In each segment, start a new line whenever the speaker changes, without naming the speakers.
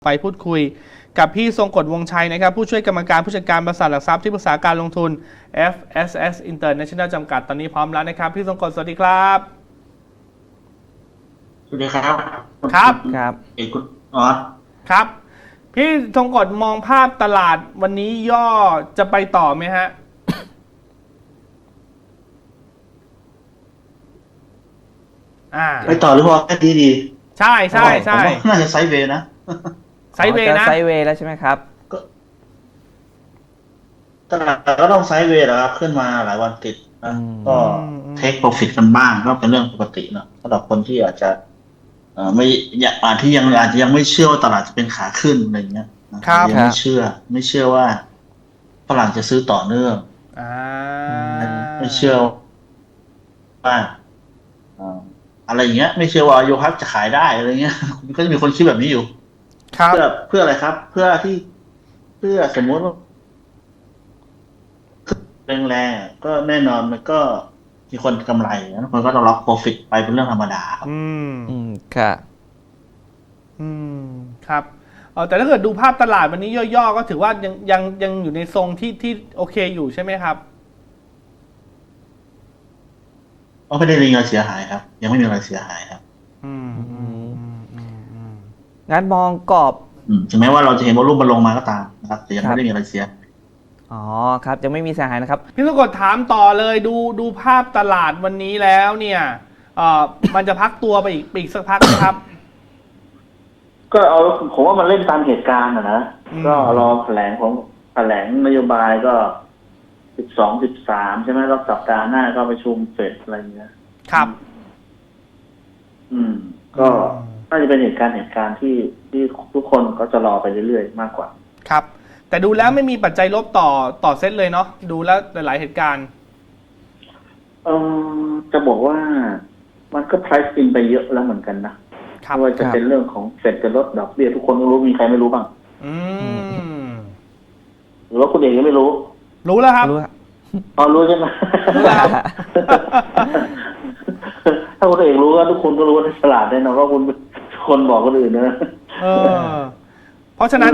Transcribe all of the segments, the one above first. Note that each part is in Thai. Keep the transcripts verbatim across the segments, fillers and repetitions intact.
ไปพูดคุยกับพี่ทรงกฎวงชัยนะครับผู้ช่วยกรรมการผู้จัดการบริษัทหลักทรัพย์ที่ปรึกษาการลงทุน เอฟ เอส เอส International จำกัดตอนนี้พร้อมแล้วนะครับพี่ทรงกฎสวัสดีครับ
สวัสดีครับ
ครับ
ครับเอกคุณอ๋อ
ครับพี่ทรงกฎมองภาพตลาดวันนี้ย่อจะไปต่อไหมฮะ
ไปต่อหรือพอแค่ดีดี
ใช่ใช่ใช่
น่าจะไซด์เวย์นะ
ไซด์เวย์นะ
ไซด์เวย์แล้วใช่ไหมครับ
ก็ตลาดก็ต้องไซด์เวย์แล้วครับขึ้นมาหลายวันติดนะก็เทคโปรฟิตกันบ้างก็เป็นเรื่องปกตินะสำหรับคนที่อาจจะไม่อาจที่ยังอาจจะยังไม่เชื่อว่าตลาดจะเป็นขาขึ้นอะไรเงี้ยยังไม่เชื่อ ไม่เชื่อว่าฝรั่งจะซื้อต่อเนื่องไม่เชื่อว่าอะไรอย่างเงี้ยไม่เชื่อว่าโยฮับจะขายได้อะไรเงี้ยก็จะมีคนคิดแบบนี้อยู่เพื่อเพื่ออะไรครับเพื่อที่เพื่อสมมติว่าแรงๆก็แน่นอนมันก็มีคนกำไรนะคนก็ต้องล็อกโปรฟิตไปเป็นเรื่องธรรมดาครับ
อืม
อืมค่ะ
อืมครับเออแต่ถ้าเกิดดูภาพตลาดวันนี้ย่อๆก็ถือว่ายังยังยังอยู่ในทรงที่ที่โอเคอยู่ใช่ไหมครับ
ก็ไม่ได้มีอะไรเสียหายครับยังไม่มีอะไรเสียหายครับ
อืมอืมอืมอืมอืม
งั้นมองกรอบ
ถึงแม้ว่าเราจะเห็นว่ารูปมันลงมาก็ตามนะครับแต่ยังไม่ได้มีอะไรเสีย
อ๋อครับยังไม่มีเสียหายนะครับ
พี่สกดถามต่อเลยดูดูภาพตลาดวันนี้แล้วเนี่ยเอ่อมันจะพักตัวไปอีกอีกสักพักนะครับ
ก็เอาผมว่ามันเล่นตามเหตุการณ์นะนะก็รอแถลงของแถลงนโยบายก็สิบสองสิบสามใช่ไหมรอบสัปดาห์หน้าก็ประชุมเฟดอะไรเงี้ย
ครับ
อืมก็น่าจะเป็นเหตุการณ์เหตุการณ์ที่ที่ทุกคนก็จะรอไปเรื่อยๆมากกว่า
ครับแต่ดูแล้วไม่มีปัจจัยลบต่อต่อเซตเลยเนาะดูแล้วหลายๆเหตุการณ์
เออจะบอกว่ามันก็ price in ไปเยอะแล้วเหมือนกันนะไม่ว่าจะเป็นเรื่องของเฟดจะลดดอกเบี้ยทุกคนรู้มีใครไม่รู้บ้าง
อืม
หรือว่าคุณเองยังไม่รู้
รู้แล้วครับ
อ๋อรู้ใช่ไหม
รู้แล้ว
ถ้าคุณเองรู้ก็ทุกคนก็รู้ว่าฉลาดแน่นอนว่าคุณคนบอกคนอื่นนะ
เออเพราะฉะนั้น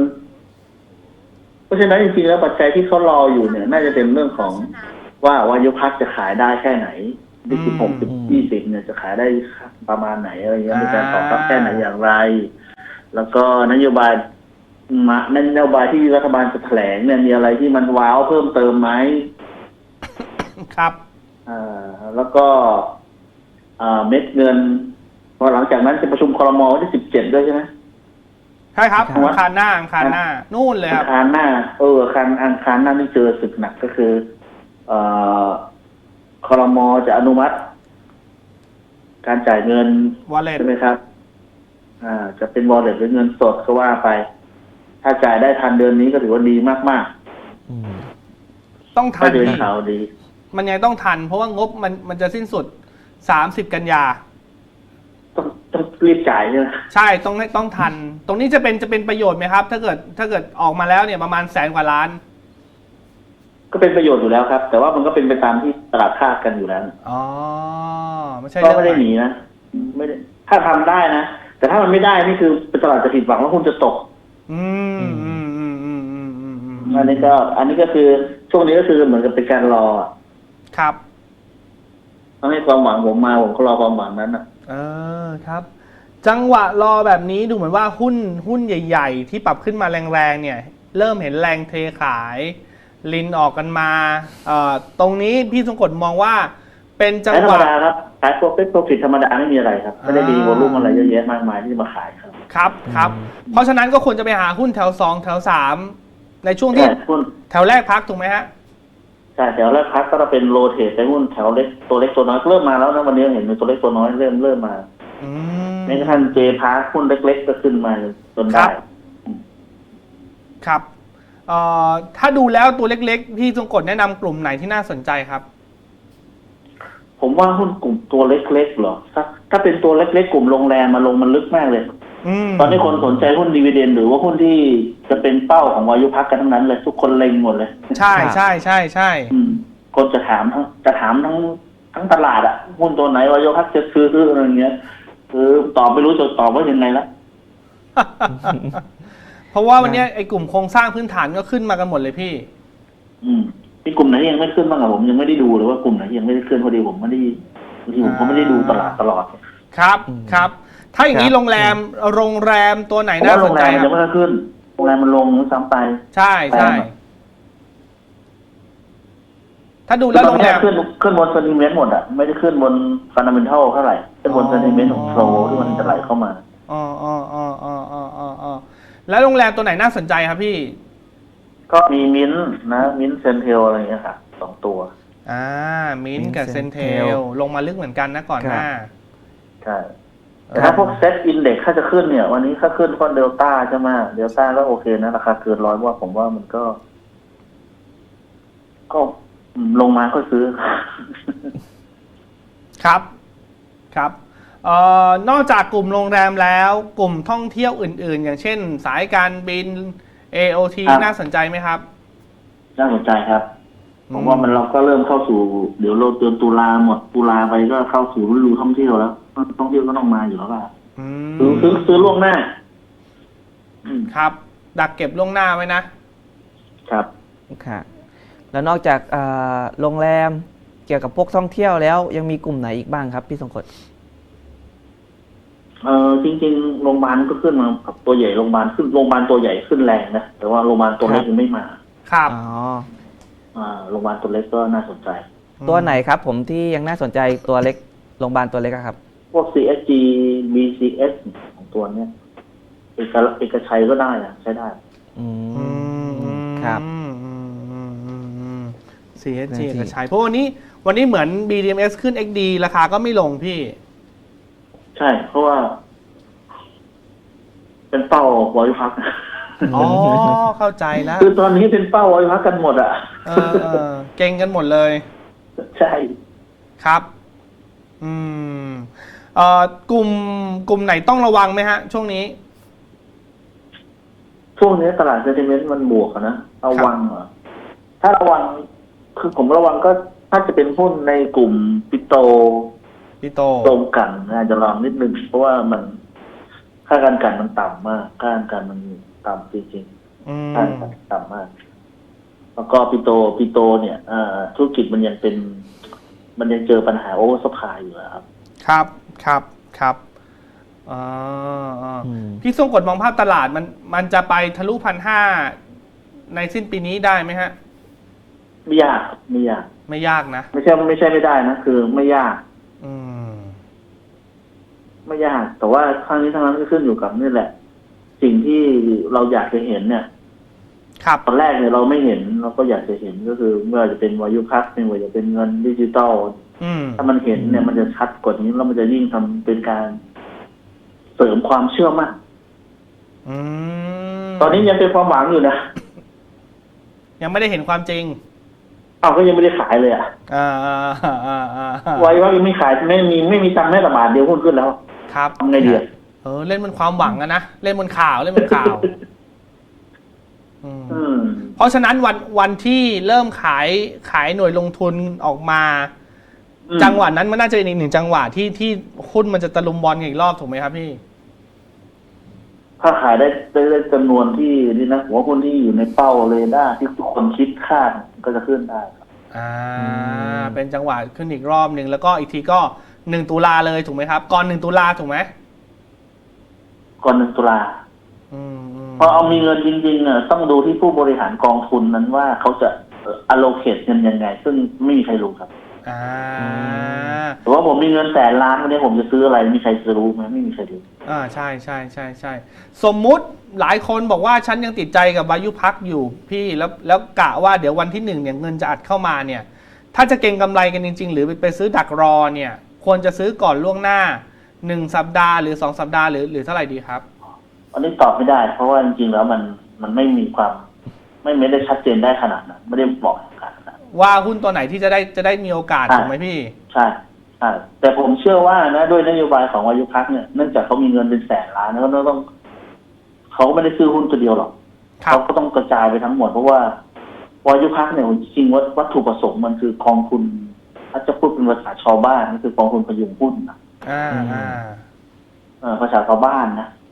เพราะฉะนั้นจริงๆแล้วปัจจัยที่เขารออยู่เนี่ยน่าจะเป็นเรื่องของว่าวายุพักจะขายได้แค่ไหนที่สิบหกสิบยี่สิบเนี่ยจะขายได้ประมาณไหนอะไรเงี้ยมีการตอบรับแค่ไหนอย่างไรแล้วก็นโยบายมานโยบายที่รัฐบาลจะแถลงเนี่ยมีอะไรที่มันว้าวเพิ่มเติมไหม
ครับ
อ่าแล้วก็อ่าเม็ดเงินพอหลังจากนั้นจะประชุมครม.วันที่สิบเจ็ดด้วยใช่ไหม
ใช่ครับอังคารหน้าอังคารหน้านู่นเลยครับ
อังคารหน้าเอออังคารอังคารหน้าที่เจอศึกหนักก็คือเอ่อครม.จะอนุมัติ การจ่ายเงินใช่ไหมครับอ่าจะเป็นวอลเล็ตหรือเงินสดก็ว่าไปถ้าจ่ายได้ทันเดือนนี้ก็ถือว่าดีมาก
ๆต้องทัน
เดือนข่าวดี
มันยังต้องทันเพราะว่างบมันมันจะสิ้นสุดสามสิบกันยา
ต้องต้องรีบจ่ายใช่ไหม
ใช่ต้องต้องทันตรงนี้จะเป็นจะเป็นประโยชน์ไหมครับถ้าเกิดถ้าเกิดออกมาแล้วเนี่ยประมาณแสนกว่าล้าน
ก็เป็นประโยชน์อยู่แล้วครับแต่ว่ามันก็เป็นไปตามที่ตลาดคาดกันอยู่แล้ว
อ๋อไม่ใช่
ก็ไม่ได้หนีนะไม่ได้ถ้าทำได้นะแต่ถ้ามันไม่ได้นี่คือตลาดจะผิดหวังว่าคุณจะตก
อืมอืมอืมอืมอืมอืมอืม
อันนี้ก็อันนี้ก็คือช่วงนี้ก็คือเหมือนกับเป็นการรอ
ครับ
ต้องให้ความหวังผมมาผมก็รอความหวังนั้นนะ
เออครับจังหวะรอแบบนี้ดูเหมือนว่าหุ้นหุ้นใหญ่ๆที่ปรับขึ้นมาแรงๆเนี่ยเริ่มเห็นแรงเทขายลินออกกันมาเอ่อตรงนี้พี่ทรงกฎมองว่าเป็นจังหวะ
ธรรมดาครับขายโปรฟิตโปรฟิตธรรมดาไม่มีอะไรครับไม่ได้มีวอลุ่มอะไรเยอะแยะมากมายที่จะมาขายครับ
ครับครับเพราะฉะนั้นก็ควรจะไปหาหุ้นแถวสองแถวสามในช่วงที่แถวแรกพักถูกไหมฮะ
ใช่แถวแรกพักก็จะเป็นโรเทตไปหุ้นแถวเล็กตัวเล็กตัวน้อยเริ่มมาแล้วนะวันนี้เห็นมีตัวเล็กตัวน้อยเริ่มเริ่มมาแม้กระทั่งเจพาร์คหุ้นเล็กๆก็ขึ้นมาจนได้
ครับเอ่อถ้าดูแล้วตัวเล็กๆพี่ทรงกฎแนะนำกลุ่มไหนที่น่าสนใจครับ
ผมว่าหุ้นกลุ่มตัวเล็กๆเหรอถ้าถ้าเป็นตัวเล็กๆกลุ่มโรงแรมมาลงมันลึกมากเลยตอนนี้คนสนใจหุ้นดีเวเดนหรือว่าหุ้นที่จะเป็นเป้าของวายุพักกันทั้งนั้นเลยทุกคนเล็งหมดเลย
ใช่ใช่ใช่ใช่
คนจะถามทั้งจะถามทั้งทั้งตลาดอะหุ้นตัวไหนวายุพักจะซื้ออะไรอย่างเงี้ยคือตอบไม่รู้จะตอบว่ายังไงละ
เพราะว่าวันเนี้ยไอ้กลุ่มโครงสร้างพื้นฐานก็ขึ้นมากันหมดเลยพี่
อืมมีกลุ่มไหนที่ยังไม่ขึ้นบ้างอะผมยังไม่ได้ดูเลยว่ากลุ่มไหนที่ยังไม่ได้ขึ้นพอดีผมไม่ได้บางทีผมก็ไม่ได้ดูตลาดตลอด
ครับ
อืม
ครับ ถ้าอย่างนี้
ครับ
โรงแรมโรงแรมตัวไหน
เพราะ
น่า
ว่า
ส
โร
น
ง
ใจ
แรมมัน
ครั
ยัง
บ
ไม่ได้ขึ้นโรงแรมมันลงซ้ำไป
ใช่ใช่
แปลงอะ
ถ้าดูแล้วโรงแรม
ขึ้นขึ้นบนเซนติเมนต์หมดอะไม่ได้ขึ้นบนฟันดัมเบลทัลเท่าไหร่ขึ้นบนเซนติเมนต์ของโฟลที่มันจะไหลเข้ามา
อ๋ออ๋ออ๋ออ๋ออ๋ออ๋ออ๋อแล้วโรงแรมตัวไหนน่าสนใจครับพี่
ก็มีมิ้นท์นะมิ้นท์เซนเทลอะไรอย่างเงี้ยค่ะสองตัว
อ่ามิน
Mint
กับเซนเท
Centel
ลลงมาลึกเหมือนกันนะก่อนหน้า
ใช่แต่ถ้าพวกเซตอินเด็กซ์ถ้าจะขึ้นเนี่ย วันนี้ถ้าขึ้นก้อนเดลต้าใช่ไหมเดลต้าก็โอเคนะราคาเกินร้อยว่าผมว่ามันก็ ก็ลงมาก็ซื้อ
ครับ ครับเอ่อนอกจากกลุ่มโรงแรมแล้ว กลุ่มท่องเที่ยวอื่น ๆ อย่างเช่น สายการบิน เอ โอ ที
ครับ
น่าสนใจไหมครับ
น่าสนใจครับ
อืม
ผมว่ามันเราก็เริ่มเข้าสู่ เดี๋ยวเราเดือนตุลาหมดตุลาไปก็เข้าสู่ฤดูท่องเที่ยวแล้วท่องเที่ยวก็ต้องมาอยู่แล้วล่ะ
อื
ซื้อ
ม
ซื้อซื้อล่วงหน้า อืม
ครับ ดักเก็บล่วงหน้าไว้นะ
ครับ
ค่ะ แล้วนอกจากอ่าโรงแรมเกี่ยวกับพวกท่องเที่ยวแล้วยังมีกลุ่มไหนอีกบ้างครับพี่ทรงกฎ
เออจริงๆโรงพยาบาลก็ขึ้นมากับตัวใหญ่โรงพยาบาลขึ้นโรงพยาบาลตัวใหญ่ขึ้นแรงนะแต่ว่าโรงพยาบาลตัวเล็กยังไม่มา
ครับ
อ๋อ
อ่าโรงพยาบาลตัวเล็กก็น่าสนใจ
ตัวไหนครับผมที่ยังน่าสนใจตัวเล็กโรงพยาบาลตัวเล็กอะครับ
พวก ซี เอส จี บี ซี เอส ของตัวเนี้ยเอกเอกชัยก็ได้อะใช้ได้
อื
อื
ม
ม
ครับ
อืมอืมอืมอืมอืม ซี เอส จี
ซี
เอกชัยเพราะวันนี้วันนี้เหมือน บี ดี เอ็ม เอส ขึ้น เอ็กซ์ ดี ราคาก็ไม่ลงพี่
ใช่ เพราะว่า เป็นเป้าวอยพัก
อ๋อ เข้าใจแล้ว
คือตอนนี้เป็นเป้าวอยพักกันหมดอ่ะ
เออเออเก่งกันหมดเลย
ใช่
ครับ อืมเอ่อกลุ่มกลุ่มไหนต้องระวังไหมฮะ ช่วงนี้
ช่วงนี้ตลาดเซนติเมนต์มันบวกอะนะระวังเหรอถ้าระวัง คือผมระวังก็ถ้าจะเป็นหุ้นในกลุ่มปิโต
พี่โต
ตรงกันอาจจะลองนิดนึงเพราะว่ามันค่าการกันมันต่ำมากค่าการกันมันต่ำจริง
อื
ๆ
ม
ค่าการกันต่ำมาก แล้วก็ปิโตปิโตเนี่ยเอ่อธุรกิจมันยังเป็น มันยังเจอปัญหาโอเวอร์ซัพพลายอยู่นะครับ
ครับครับครับอ๋ออ๋ออ
ม
พี่ทรงกฎมองภาพตลาดมันมันจะไปทะลุพันห้าในสิ้นปีนี้ได้ไหมฮะ
ไม่ยากครับไม่ยาก
ไม่ยากนะ
ไม่ใช่ไม่ใช่ไม่ได้นะคือไม่ยาก
อืม
ไม่ยาก แต่ว่าครั้งนี้ทั้งนั้นก็ขึ้นอยู่กับนี่แหละ สิ่งที่เราอยากจะเห็นเนี่ย
ครับ
ตอนแรกเนี่ยเราไม่เห็นเราก็อยากจะเห็นก็คือเมื่อจะเป็นวายุพักไม่ว่าจะเป็นเงินดิจิตอล
อืม
ถ้ามันเห็นเนี่ยมันจะชัดกว่านี้แล้วมันจะยิ่งทำเป็นการเสริมความเชื่อมั่น
อืม
ตอนนี้ยังเป็นความหวังอยู่นะ
ยังไม่ได้เห็นความจริง
อ้าวก็ยังไม่ได้ขายเลยอ่ะ
อ่าอ่าอ่าอ่าอ่า
ไว้ว่ายังไม่ขายไม่มีไม่มีตังค์แม้แต่บาทเดียวหุ้นขึ้นแล้ว
ครับ
ทำไงดีอะ
เออเล่นบนความหวังอะนะเล่นบนข่าวเล่นบนข่าวอืม
อืม
เพราะฉะนั้นวันวันที่เริ่มขายขายหน่วยลงทุนออกมา
อืม
จังหวะนั้นมันน่าจะเป็นอีกหนึ่งจังหวะที่ที่หุ้นมันจะตะลุมบอลกันอีกรอบถูกไหมครับพี่
ถ้าขายได้ได้ได้จำนวนที่นี่นะหัวหุ้นที่อยู่ในเป้าเรดาร์ที่ทุกคนคิดคาดก็จะขึ้นได้ครับ
อ่า
อืม
เป็นจังหวะขึ้นอีกรอบหนึ่งแล้วก็อีกทีก็หนึ่งตุลาเลยถูกไหมครับ ก่อนหนึ่งตุลาถูกไหม
ก่อนหนึ่งตุลา
อืมอืม
พอเอามีเงินจริงๆเนี่ยต้องดูที่ผู้บริหารกองทุนนั้นว่าเขาจะเอ่อ allocate เงินยังไง ซึ่งไม่มีใครรู้ครับ
อ่า
แต่ว่าผมมีเงินแสนล้านวันนี้ผมจะซื้ออะไรมีใครจะรู้ไหมไม่มีใครรู้
อ่าใช่ใช่ใช่ใช่สมมุติหลายคนบอกว่าฉันยังติดใจกับวายุพักอยู่พี่แล้วแล้วกะว่าเดี๋ยววันที่หนึ่งเนี่ยเงินจะอัดเข้ามาเนี่ย ถ้าจะเก็งกำไรกันจริง ๆ หรือไปไปซื้อดักรอเนี่ย ควรจะซื้อก่อนล่วงหน้าหนึ่งสัปดาห์หรือสองสัปดาห์หรือหรือเท่าไหร่ดีครับ
อันนี้ตอบไม่ได้ เพราะว่าจริงๆแล้วมันมันไม่มีความ ไม่ไม่ได้ชัดเจนได้ขนาดนั้นไม่ได้บอกขนาดนั้น
ว่าหุ้นตัวไหนที่จะได้จะได้มีโอกาสถูกไหมพี่
ใช่ใช่แต่ผมเชื่อว่านะด้วยนโยบายของวายุพักเนี่ยเนื่องจากเขามีเงินเป็นแสนล้านแล้วก็ต้องเขาไม่ได้ซื้อหุ้นตัวเดียวหรอก
ครับ
เขาก็ต้องกระจายไปทั้งหมดเพราะว่าวายุพักเนี่ยจริงๆวัตวัตถุประสงค์มันคือกองทุนถ้าจะพูดเป็นภาษาชาวบ้านก็คือกองทุนพยุงหุ้นนะ
อ่าอ่า
เออภาษาชาวบ้านนะ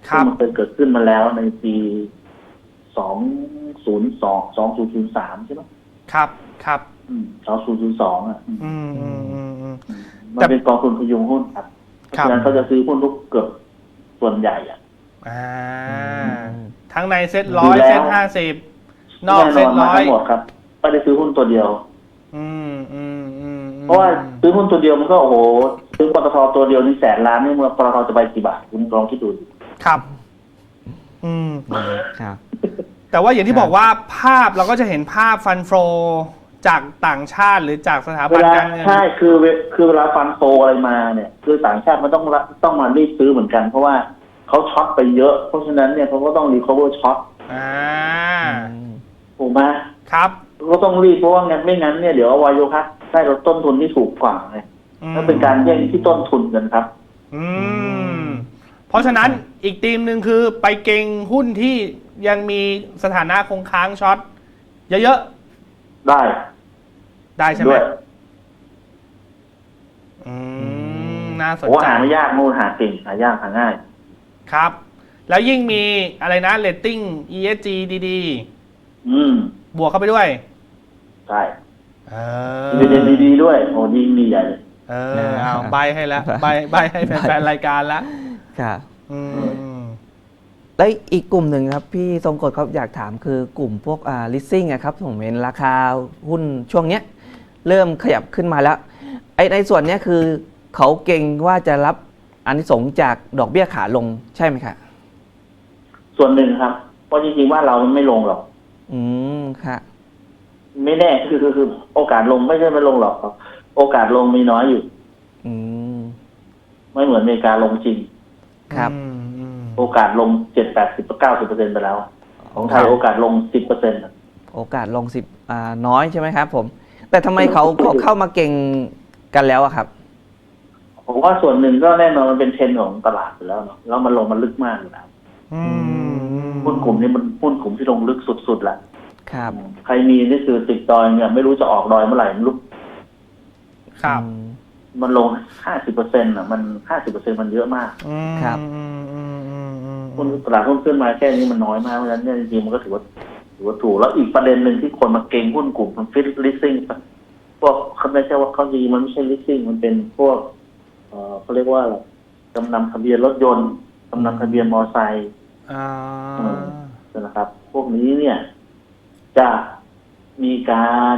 ครับ
ซึ่งมันเคยเกิดขึ้นมาแล้วในปีสองศูนย์สองสองศูนย์ศูนย์สามใช่ไหม
ครับครับ
สองศูนย์ศูนย์สองอ่ะอืม
อืมอืมอืมอืม
มัน
แต่
เป็นกองทุนพยุงหุ้นครับเพราะ
ครับ
ฉะนั้นเขาจะซื้อหุ้นทุกเกือบส่วนใหญ่อ่ะ
อ่า
อืม
ทั้งในเซ็ตร้อย
ดูแล้ว
เซ็ตห้าสิบนอก
แน่น
เซ็
อ
ต
นมา
ร้อย
ทั้งหมดครับไม่ได้ซื้อหุ้นตัวเดียว
อืมอืมอืมอืม
เพราะว่าซื้อหุ้นตัวเดียวมันก็โอ้โหซื้อปตทตัวเดียวนี่แสนล้านนี่เมื่อปตทจะไปกี่บาทคุณลองคิดดูดิ
ครับ อืม
ครับ
แต่ว่าอย่างที่
ครับ
บอกว่าภาพเราก็จะเห็นภาพฟันโฟจากต่างชาติหรือจากสถา
เว
บัน
ลา
การเงิน
ใช่คือเวคือเวลาฟันโฟอะไรมาเนี่ย คือต่างชาติมันต้องรับต้องมารีบซื้อเหมือนกัน เพราะว่าเขาช็อตไปเยอะเพราะฉะนั้นเนี่ยเขาก็ต้องรีคอเวอร์ช็อต
อ่า
อืม
ถูกไหม
ครับ
ก็ต้องรีบเพราะว่างั้นไม่งั้นเนี่ยเดี๋ยววายโยคัสได้ลดต้นทุนที่ถูกกว่าไง
อืม
นั่นเป็นการแย่งที่ต้นทุนกันครับ
อืม เพราะฉะนั้นอีกธีมหนึ่งคือไปเก่งหุ้นที่ยังมีสถานะคงค้างช็อตเยอะ
ได้
ๆ ได้ใช่ไหม
ด้วย
อืม น่าสน
โอ้
ใจ
หาไม่ยากนู่นหาเก่งหายากหาง่าย
ครับ แล้วยิ่งมีอะไรนะเรตติ้ง อี เอส จี ดี
อืม
ๆ บวกเข้าไปด้วย
ใช่
เอ
ดีเด่นดีๆด้วยโอ้ดีดีใหญ่เลย
เออเอาใบให้แล้วใบใบให้แฟนๆรายการแล้ว
ครับ
อืม
แล้วอีกกลุ่มหนึ่งครับพี่ทรงกฎครับอยากถามคือกลุ่มพวกอ่า leasing อะครับผมเห็นราคาหุ้นช่วงเนี้ยเริ่มขยับขึ้นมาแล้วไอ้ในส่วนเนี้ยคือเขาเก่งว่าจะรับอานิสงส์จากดอกเบี้ยขาลงใช่ไหมครับ
ส่วนหนึ่งครับ เพราะจริงๆว่าเรามันไม่ลงหรอก
อืมค่ะ
ไม่แน่คือคือคือโอกาสลงไม่ใช่ไม่ลงหรอกครับโอกาสลงมีน้อยอยู่
อืม
ไม่เหมือนอเมริกาลงจริง
ครับ
อืมอืม
โอกาสลงเจ็ดแปดสิบเก้าสิบเปอร์เซ็นต์ไปแล้ว ของไทยโอกาสลงสิบเปอร์เซ็นต์
โอกาสลงสิบอ่าน้อยใช่ไหมครับผม แต่ทำไมเขาเขาเข้ามาเก่งกันแล้วอะครับ
ผมว่าส่วนหนึ่งก็แน่นอนมันเป็นเทรนด์ของตลาดอยู่แล้วเนาะแล้วมันลงมันลึกมากอยู่แล้ว
อืม
หุ้นกลุ่มนี้มันหุ้นกลุ่มที่ลงลึกสุดๆแล้ว
ครับ
ใครมีนี่คือติดดอยเนี่ยไม่รู้จะออกดอยเมื่อไหร่ไม่รู้
ครับ
อืม
มันลงห้าสิบเปอร์เซ็นต์อ่ะมันห้าสิบเปอร์เซ็นต์มันเยอะมาก
อืม
ครับ
อืมอืมอืมอืม
หุ้นตลาดหุ้นขึ้นมาแค่นี้มันน้อยมากเพราะฉะนั้นเนี่ยจริงๆมันก็ถือว่าถือว่าถูกแล้วอีกประเด็นหนึ่งที่คนมาเก็งหุ้นกลุ่มมันฟิตลิสซิ่งพวกเขาไม่ใช่ว่าเขาดีมันไม่ใช่ลิสซิ่งมันเป็นพวกเอ่อเขาเรียกว่าอะไรจำนำทะเบียนรถยนต์จำนำทะเบียนมอเตอร์ไซค์
อ่า
นะครับ พวกนี้เนี่ย จะมีการ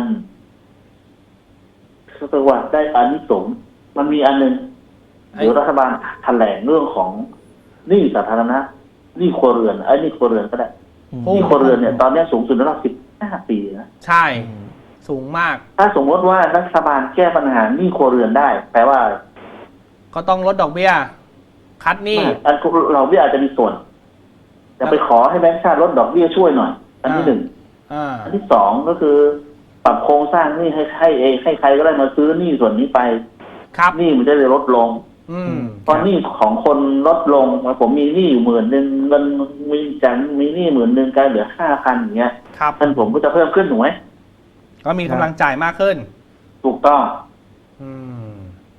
เรียกว่าได้อานิสงส์มันมีอันหนึ่งเดี๋ยวรัฐบาลแถลงเรื่องของหนี้สาธารณะหนี้ครัวเรือนไอ้ยหนี้ครัวเรือนก็ได้
อืม
หนี้ครัวเรือนเนี่ยตอนนี้สูงสุดในรอบสิบห้าปีนะ
ใช่ สูงมาก
ถ้าสมมติว่ารัฐบาลแก้ปัญหาหนี้ครัวเรือนได้ แปลว่า
ก็ต้องลดดอกเบี้ย คัดหนี้
อันเราไม่อาจจะมีส่วน จะไปขอให้แบงก์ชาติลดดอกเบี้ยช่วยหน่อย อันที่หนึ่ง
อ่า
อันที่สองก็คือ ปรับโครงสร้างหนี้ให้ให้เองให้ใครก็ได้มาซื้อหนี้ส่วนนี้ไป
ครับ
หนี้มันจะได้ลดลง
อืม
พอหนี้ของคนลดลงผมมีหนี้อยู่หมื่นหนึ่งเงินมีจันมีหนี้หมื่นหนึ่งกลายเหลือห้าพันอย่างเงี้ย
ครับ
ท่านผมก็จะเพิ่มขึ้นถูกไหม
ก็มีกำลังจ่ายมากขึ้น
ถูกต้อง
อืม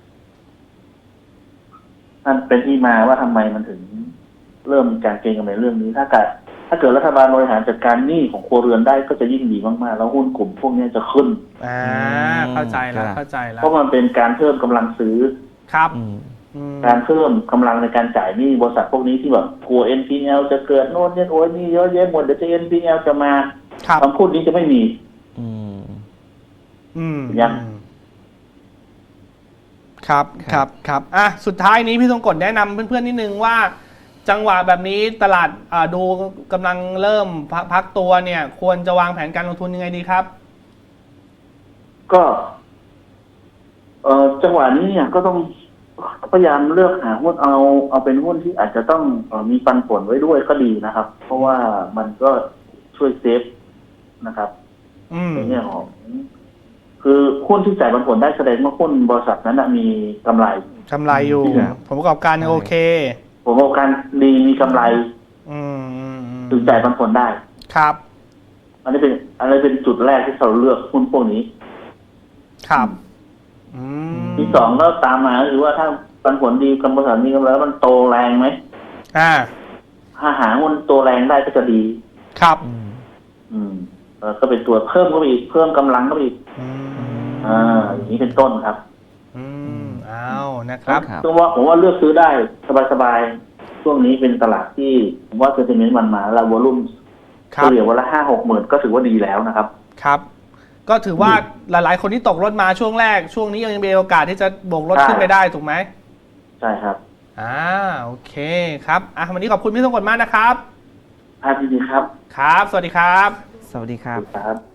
นั่นเป็นที่มาว่าทำไมมันถึง เริ่มมีการเก็งกำไรเรื่องนี้ ถ้าเกิดถ้าเกิดรัฐบาลบริหารจัดการหนี้ของครัวเรือนได้ก็จะยิ่งดีมากๆแล้วหุ้นกลุ่มพวกนี้จะขึ้น
อ่า เข้าใจแล้ว เข้าใจแล้ว
เพราะมันเป็นการเพิ่มกำลังซื้อ
ครับ
อืม
อืม
การเพิ่มกำลังในการจ่ายหนี้บริษัทพวกนี้ที่แบบกลัว เอ็น พี แอล จะเกิดโน่นนี่โอ้ยนี่เยอะแยะหมดเดี๋ยวจะ เอ็น พี แอล จะมา
ครับ
คำพูดนี้จะไม่มี
อืม
อืม
ยัง
ครับ
ค
ค
รั
รับ บ ครับ อ่ะ สุดท้ายนี้พี่ทรงกฎแนะนำเพื่อนๆนิดนึงว่า จังหวะแบบนี้ตลาดอ่าดูกำลังเริ่มพักพักตัวเนี่ย ควรจะวางแผนการลงทุนยังไงดีครับ
ก็ เอ่อจังหวะนี้เนี่ยก็ต้องพยายามเลือกหาหุ้นเอาเอาเป็นหุ้นที่อาจจะต้องเอ่อมีปันผลไว้ด้วยก็ดีนะครับ เพราะว่ามันก็ช่วยเซฟนะครับ
อืม
ในแง่ของ คือหุ้นที่จ่ายปันผลได้แสดงว่าหุ้นบริษัทนั้นนะมีกำไร
กำไรอยู่
ครับ
ผลประกอบการยังโอเค
ผมว่าการดีมีกำไร
อืมอืมอืม
ถึงจ่ายปันผลได้
ครับ
อันนี้เป็นอันนี้เป็นจุดแรกที่เราเลือกหุ้นพวกนี้
ครับ อืม
ที่สองแล้วตามมาก็คือว่าถ้าปันผลดีกับบริษัทมีกำไรแล้วมันโตแรงไหม
อ่า
ถ้าหาหุ้นตัวแรงได้ก็จะดี
ครับ
อืม
อืมเออก็เป็นตัวเพิ่มก็ไปอีกเพิ่มกำลังก็ไปอีก
อืม
อ่าอย่างนี้เป็นต้นครับ
อืมเอานะครับ
ครับ
ซึ่งว่าผมว่าเลือกซื้อได้สบายๆช่วงนี้เป็นตลาดที่ผมว่าเซนติเมนต์มันมาแล้ววอลุ่ม
ครั
เฉ
บ
ลี่ยวันละห้าหกหมื่นก็ถือว่าดีแล้วนะครับ
ครับ ก็ถือว่าหลาย ๆ คนที่ตกรถมาช่วงแรก ช่วงนี้ยังมีโอกาสที่จะโบกรถ
ใช่
ขึ้นไปได้ถูกไหม
ใช่ครับ
อ่าโอเคครับอ่ะวันนี้ขอบคุณพี่ทรงกฎมากนะครับ
ภาพดีๆครับ
ครับ สวัสดีครับ
สวัสดีครับ
ครับ